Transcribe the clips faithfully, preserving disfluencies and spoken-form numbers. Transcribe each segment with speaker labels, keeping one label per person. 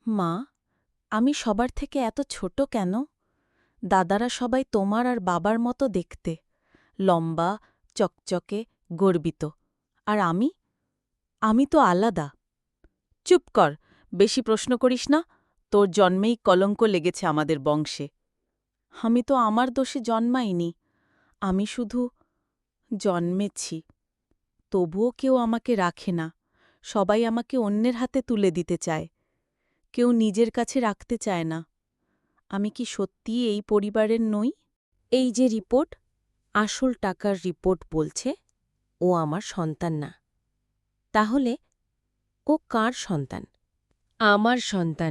Speaker 1: মা, আমি সবার থেকে এত ছোট কেন? দাদারা সবাই তোমার আর বাবার মতো দেখতে, লম্বা, চকচকে, গর্বিত। আর আমি? আমি তো আলাদা। চুপ কর, বেশি প্রশ্ন করিস না। তোর জন্মেই কলঙ্ক লেগেছে আমাদের বংশে। আমি তো আমার দোষে জন্মাইনি, আমি শুধু জন্মেছি। তবুও কেউ আমাকে রাখে না, সবাই আমাকে অন্যের হাতে তুলে দিতে চায়। কেউ নিজের কাছে রাখতে চায় না। আমি কি সত্যিই এই পরিবারের নই?
Speaker 2: এই যে রিপোর্ট, আসল টাকার রিপোর্ট বলছে ও আমার সন্তান না। তাহলে ও কার সন্তান? আমার সন্তান।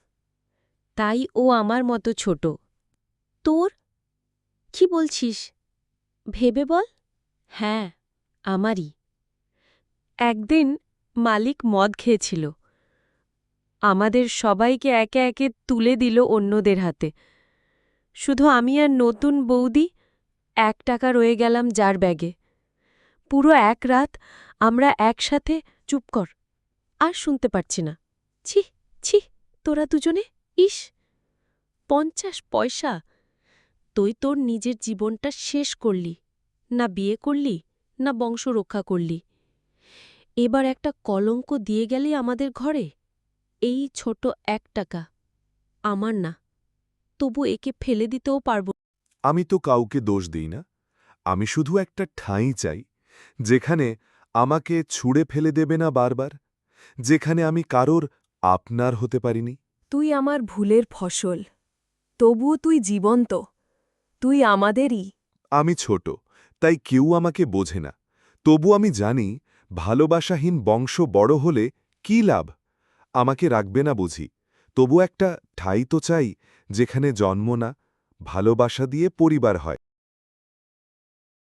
Speaker 2: তাই ও আমার মতো ছোট। তোর? কি বলছিস? ভেবে বল। হ্যাঁ, আমারই। একদিন মালিক মদ খেয়েছিল। আমাদের সবাইকে একে একে তুলে দিল অন্যদের হাতে। শুধু আমি আর নতুন বৌদি এক টাকা রয়ে গেলাম যার ব্যাগে। পুরো এক রাত আমরা একসাথে। চুপ কর, আর শুনতে পারছি না। ছি ছি, তোরা দুজনে, ইস! পঞ্চাশ পয়সা! তুই তোর নিজের জীবনটা শেষ করলি, না বিয়ে করলি, না বংশ রক্ষা করলি। এবার একটা কলঙ্ক দিয়ে গেলি আমাদের ঘরে। এই ছোট এক টাকা আমার না, তবু একে ফেলে দিতেও পারব।
Speaker 3: আমি তো কাউকে দোষ দিই না। আমি শুধু একটা ঠাঁই চাই, যেখানে আমাকে ছুঁড়ে ফেলে দেবে না বারবার, যেখানে আমি কারোর আপনার হতে পারিনি।
Speaker 4: তুই আমার ভুলের ফসল, তবুও তুই জীবন্ত। তুই আমাদেরই।
Speaker 3: আমি ছোট, তাই কেউ আমাকে বোঝে না। তবু আমি জানি, ভালোবাসাহীন বংশ বড় হলে কী লাভ। আমাকে রাখবে না বুঝি, তবু একটা ঠাঁই তো চাই, যেখানে জন্ম না, ভালোবাসা দিয়ে পরিবার হয়।